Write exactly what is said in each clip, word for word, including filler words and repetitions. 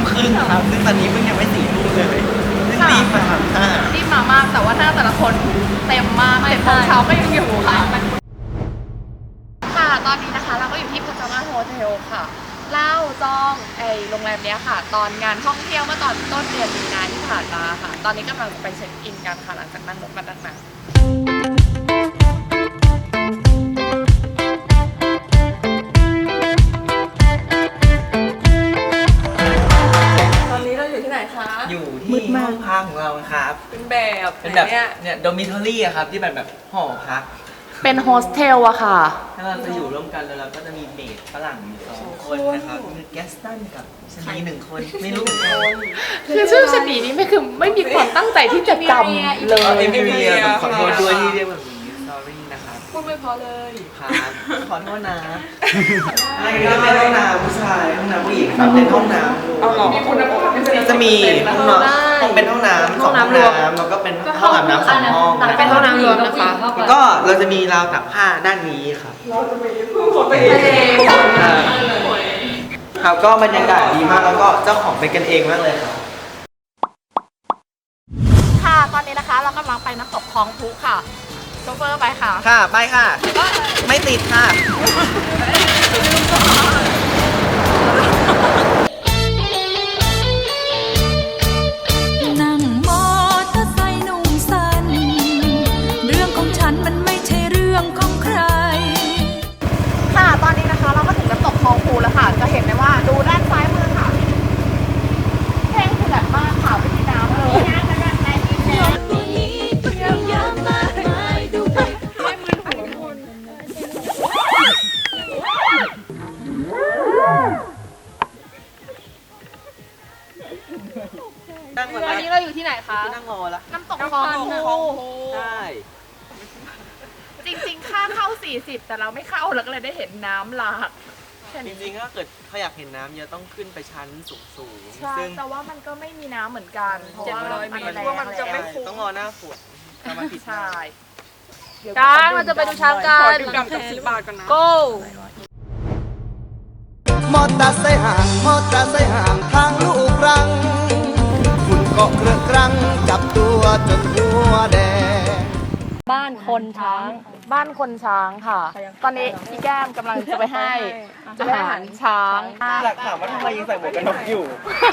ครึ่งครับซึ่งตอนนี้เพิ่งยังไม่สี่ทุ่มเลยรีบมาค่ะรีบมามากแต่ว่าหน้าแต่ละคนเต็มมากเจ็ดโมงเช้าก็ยังอยู่ค่ะค่ะตอนนี้นะคะเราก็อยู่ที่พัชมาโฮเทลค่ะเล่าจองไอโรงแรมเนี้ยค่ะตอนงานท่องเที่ยวเมื่อตอนต้นเดือนมีนาที่ผ่านมาค่ะตอนนี้กำลังจะไปเช็คอินกันค่ะหลังจากนั่งรถมาตั้งนานตอนนี้เราอยู่ที่ไหนคะอยู่ที่ห้องพักของเราครับเป็นแบบเป็นแบบเนี่ยโดมิทอรี่อะครับที่แบบแบบหอพักเป็นโฮสเทลอะค่ะถ้าเราจะอยู่ร่วมกันแล้วเราก็จะมีเมดฝรั่งมีสองคนนะครับมีแกสตันกับชนีหนึ่งคนไม่รู้คนคือชื่อชนีนี้ไม่คือไม่มีความตั้งใจที่จะจำเลยเอมิเลียขอโทษด้วยที่เรียกแบบนี้ sorry นะครับพูดไม่พอเลยครับขอโทษนะอันนี้ก็เป็นห้องน้ำผู้ชายห้องน้ำผู้หญิงครับเป็นห้องน้ำเอาหรอจะมีห้องน้ำเป็นห้องน้ำสองห้องน้ำแล้วก็เป็นห้องอาบน้ำสองห้องเป็นห้องน้ำรวมนะคะแล้วก็เราจะมีราวตักผ้าด้านนี้ครับเราจะมีพึ่งขนไปเองครับก็บรรยากาศดีมากแล้วก็เจ้าของเป็นกันเองมากเลยครับค่ะตอนนี้นะคะเรากำลังไปน้ำตกคลองพุค่ะโชเฟอร์ไปค่ะค่ะไปค่ะไม่ติดค่ะนั่งมอเตอร์ไซค์นุ่งสั้นเรื่องของฉันมันไม่ใช่เรื่องของใครค่ะตอนนี้นะคะเราก็ถึงน้ำตกคลองพุแล้วค่ะจะเห็นได้ว่าดูด้านซ้ายมือค่ะแห้งคือแบบมากค่ะไม่มีน้ำเลยวันนี้เราอยู่ที่ไหนคะนั่งรอละน้ำตกคลองพุใช่จริงๆค่าเข้าสี่สิบแต่เราไม่เข้าเราก็เลยได้เห็นน้ำหลากจริงๆถ้าเกิดเขาอยากเห็นน้ำเยอะต้องขึ้นไปชั้นสูงๆใช่แต่ว่ามันก็ไม่มีน้ำเหมือนกันเพราะว่ามันจะไม่คุ้มต้องรอหน้าฝนถ้ามันผิดใช่กางเราจะไปดูช้างกันขอดื่มดำกับสิบบาทกันนะ go มอเตอร์ไซค์ห่างมอเตอร์ไซค์ห่างทางลูกรังฝุ่นเกาะเครื่องครังจับตัวจนหัวแดงบ้านคนช้างบ้านคนช้างค่ะตอนนี้พี่แก้มกำลังจะไปให้อาหารช้างอยากถามว่าทำไมยังใส่หมวกกันน็อกอยู่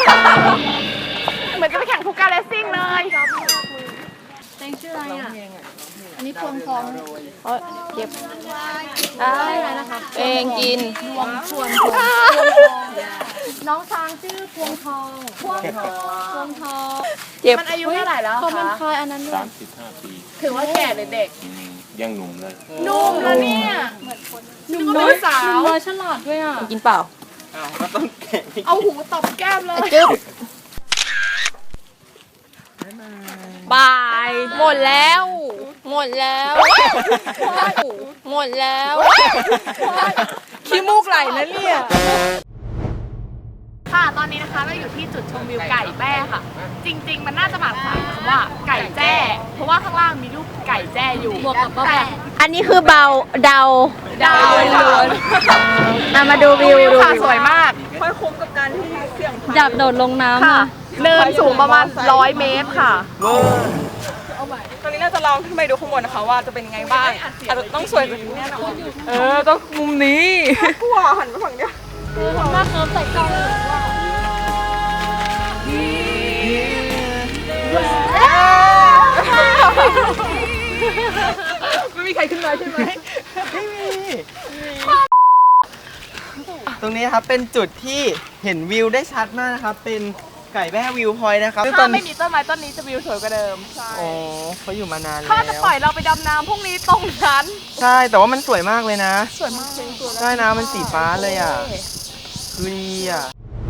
เหมือนจะไปแข่งคูการ์เลสซิ่งเลยเพลงชื่ออะไรอ่ะอันนี้พวงทองเออเก็บได้ไรนะคะเองกินพวงพวงทองน้องช้างชื่อพวงทองพวงทองพวงทองเจ็บมันอายุเท่าไหร่แล้วคะเขาเป็นคอยอันนั้นด้วยสามสิบห้าปีถือว่าแก่หรือเด็กยังหนุ่มเลยหนุ่มแล้วเนี่ยหนุ่มน้อยสาวหนุ่มน้อยฉลาดด้วยอ่ะกินเปล่าเอาหูตบแก้มเลยจึ๊บบายหมดแล้วหมดแล้วหมดแล้วขี้มูกไหลนะเนี่ยค่ะตอนนี้นะคะเราอยู่ที่จุดชมวิวไก่แจ้ค่ะจริงๆมันน่าจะหมายความว่าไก่แจ้เพราะว่าข้างล่างมีรูปไก่แจ้อยู่บวกกับแต่อันนี้คือเบาเดาเดาล้วนมาดูวิวดูค่ะสวยมากค่อยคุ้มกับการที่เสี่ยงดับโดดลงน้ำค่ะเนินสูงประมาณร้อยเมตรค่ะตอนนี้น่าจะลองขึ้นไปดูข้างบนนะคะว่าจะเป็นยังไงบ้างอาจจะต้องสวยกว่านี้แน่นอนเออต้องมุมนี้กลัวหันไปฝั่งเนี้ยทำหน้าเคิร์ฟใส่กล้องเลยไม่มีใครขึ้นมาใช่ไหมไม่มีตรงนี้ครับเป็นจุดที่เห็นวิวได้ชัดมากนะครับเป็นไก่แบ้วิวพอยต์นะครับถ้าไม่มีต้นไม้ต้นนี้จะวิวสวยกว่าเดิมใช่โอ้เขาอยู่มานานแล้วเขาจะปล่อยเราไปดำน้ำพรุ่งนี้ตรงนั้นใช่แต่ว่ามันสวยมากเลยนะสวยมากใช่น้ำมันสีฟ้าเลยอ่ะคือดีอ่ะ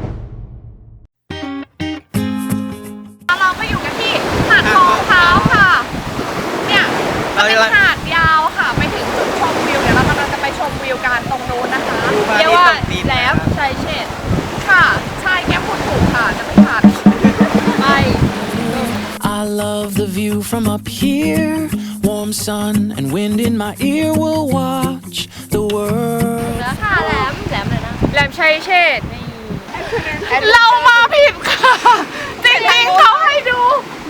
เราก็อยู่กันที่หาดทองเท้าค่ะเนี่ยเป็นหาดยาวค่ะไปถึงจุดชมวิวเดี๋ยวเรากำลังจะไปชมวิวกันตรงนู้นนะคะเรียกว่าแหลมชายเชษค่ะใช่แก้มคุณถูกค่ะจะไม่ขาดไป I love the view from up here warm sun and wind in my ear will watch the world แล้วค่ะแหลมแหลมเลยนะแหลมชายเชษเรามาผิด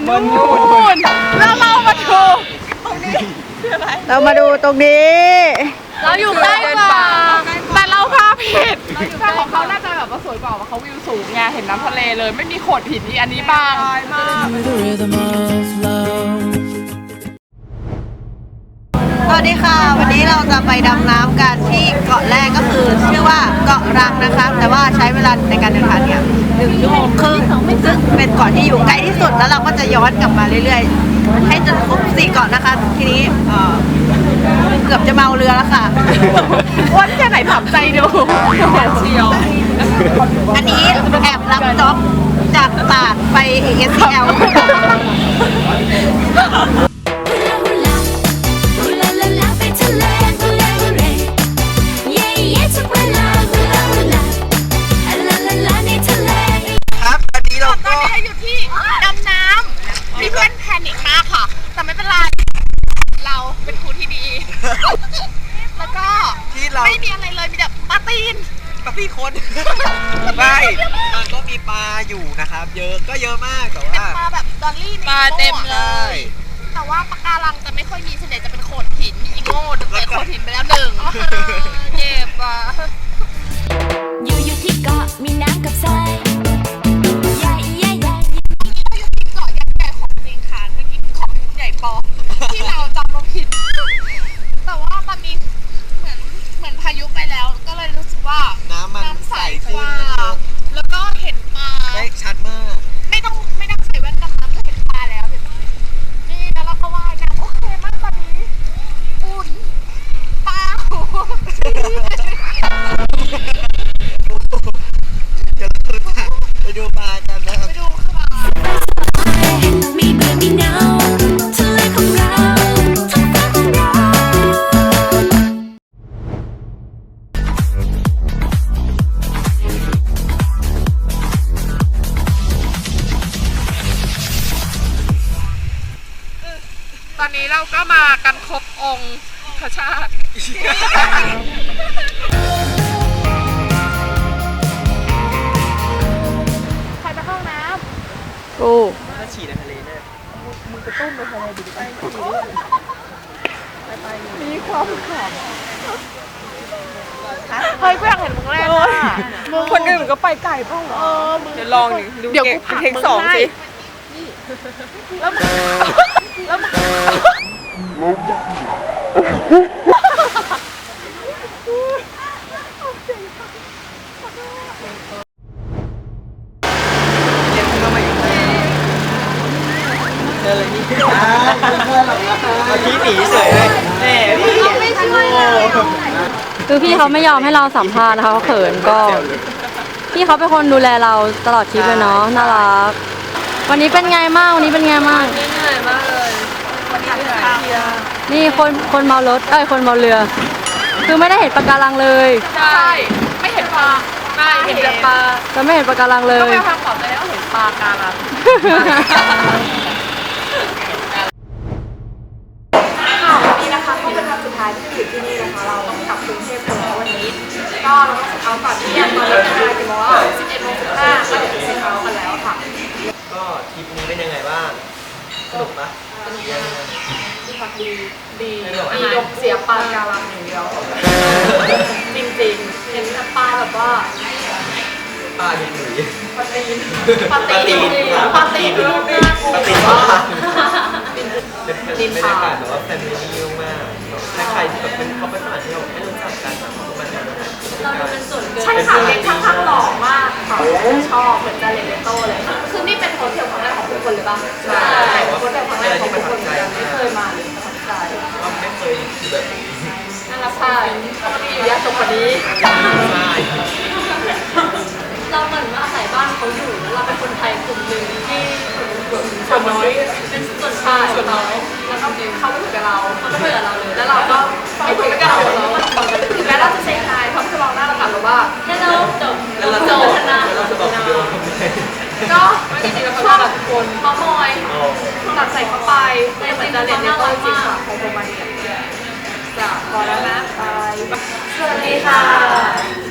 มันนู่นแล้วเรามาดูเรามาดูตรงนี้เราอยู่ใกล้กว่าแต่เราพาผิดแต่ของเขาน่าจะแบบว่าสวยกว่าเพราะเขาวิวสูงไงเห็นน้ำทะเลเลย ไม่มีโขดหินที่อันนี้บางมาก To the rhythm of love. สวัสดีค่ะ วันนี้เราจะไปดำน้ำกันที่เกาะแรกก็คือชื่อว่าเกาะรังนะคะ แต่ว่าใช้เวลาในการเดินทางเนี่ยหนึ่งชั่วโมงครึ่งซึ่งเป็นเกาะที่อยู่ใกล้ที่สุดแล้วเราก็จะย้อนกลับมาเรื่อยๆ ให้จนครบสี่เกาะนะคะ ทีนี้เอ่อเกือบจะเมาเรือแล้วค่ะอ้วนแค่ไหนถามใจดูเชียวอันนี้แอบรับจ็อบจากตาดไป เอ เอส ซี แอลครับตอนนี้เราตก็อนนี้อยู่ที่ดำน้ำมีเพื่อนแพนิคมากค่ะ แต่ไม่เป็นไร เราเป็นครูที่ดี แล้วก็ที่เราไม่มีอะไรเลยมีแต่ปลาตีนปลาพี่คน ไม่มันก็มีปลาอยู่นะครับ เยอะก็เยอะมากแต่เป็นว่าปลาแบบดอลลี่ในปลาเต็มเลใช่ยแต่ว่าปะการังจะไม่ค่อยมีส่วนใหญ่จะเป็นโขดหินอีโง่แต่โขดหินไปแล้วหนึ่งเจ็บอ่ะอยู่อยู่ที่เกาะมีน้ำกับทรายใหญ่ใหญ่ใหญ่อยู่ที่เกาะยักษ์ใหญ่ของจริงค่ะเมื่อกี้เกาะใหญ่ปลอมที่เราจำเราผิด แต่ว่าตอนนี้เหมือนเหมือนพายุไปแล้ว ก็เลยรู้สึกว่าน้ำมันน้ำใสใสกขึ้นว่าแล้วก็เห็นปลาได้ชัดมากไม่ต้องไม่ต้องใส่แว่นดำน้ำก็เห็นปลาแล้วเห็นไหมนี่แล้วเราก็ว่ายน้ำโอเคมากตอนนี้อุ่นปลาหูเดี๋ยวเราไปดูปลากันนะครับไปดูค่ะมีเบื่อมีเหงาทะเลของเราท้องฟ้าของเราตอนนี้เราก็มากันครบองค์พระชาติใครจะเข้าน้ำกูถ้าฉี่ในทะเลเนี่ยเฮ้ยกูอยากเห็นมึงเล่นอ่ะมึงคนอื่นก็ไปไก่เปล่าวะเดี๋ยวลองดูเดี๋ยวกูผักมึงสองสิแล้วมึงแล้วมึงเรียนเข้ามาอยู่ที่เจอเลยนี่อ่าเพื่อนเราเราพี่หนีเฉยเลยแหมพี่ไม่ช่วยเลยคือพี่เขาไม่ยอมให้เราสัมภาษณ์นะคะเขาเขินก็ พี่เขาเป็นคนดูแลเราตลอดทริปเลยเนาะน่ารัก วันนี้เป็นไงบ้างวันนี้เป็นไงบ้างนี่คนคนเมารถเอ้ยคนเมาเรือ คือไม่ได้เห็นปะการังเลยใช่ไม่เห็นปลาไม่เห็นแต่ปลาจะไม่เห็นปะการังเลก็ยไปทางขอบไปแล้วเห็นปลาการังนี่นะคะที่เป็นวันสุดท้ายที่อยู่ที่นี่นะคะเราต้องกลับกรุงเทพแล้ววันนี้ก็เราต้องเช็คเอาท์ก่อนที่ตอนนี้เป็นเวลากี่โมงแล้วสิบเอ็ดโมงสิบห้าก็เดี๋ยวจะเช็คเอาท์กันแล้วค่ะก็ทริปนี้เป็นยังไงบ้างสนุกปะดีดีดีดียกเสียปลาการังอย่างเดียวจริงๆเห็นแต่ปลาแบบว่าปลาดินหรือปลาตีนปลาตีนปลาตีนปลาตีนปลาเป็นบรรยากาศแบบว่าแฟมิลี่มากถ้าใครที่แบบเป็นเขาเป็นฝรั่งที่เราไม่รู้จักกันนะมันจะใช่ค่ะเด็กข้างๆหล่อมากค่ะชอบเหมือนจาเลเนโต้เลยคือนี่เป็นโฮเทลครั้งแรกของทุกคนเลยป่ะใช่โฮเทลครั้งแรกของทุกคนเลยไม่เคยมาเลยประทับใจว่าไม่เคยคือแบบนี้นั่นแหละค่ะแล้วก็มีอยู่ยาตกกว่านี้ใช่เราเหมือนว่าอาศัยบ้านเขาอยู่แล้วเราเป็นคนไทยกลุ่มหนึ่งที่ส่วนน้อยเป็นส่วนชาติส่วนน้อยแล้วก็เขาไม่ถูกกับเราเขาก็เบื่อเราเลยแล้วเราก็ไม่ถูกกับเราถึงแม้เราจะเซ็งไฮเขาจะมองหน้าเรากลับหรือว่าแค่เราจบแล้วเราจจะบบอกชนะเราจะบอกเดียวทำไมก็จริงๆแล้วช่วงคนเมาท์มอยตัดใส่เข้าไปแต่เหมือนจะเรียนในตัวจริงค่ะของโรมาเนียจ้ะพอแล้วนะบายสวัสดีค่ะ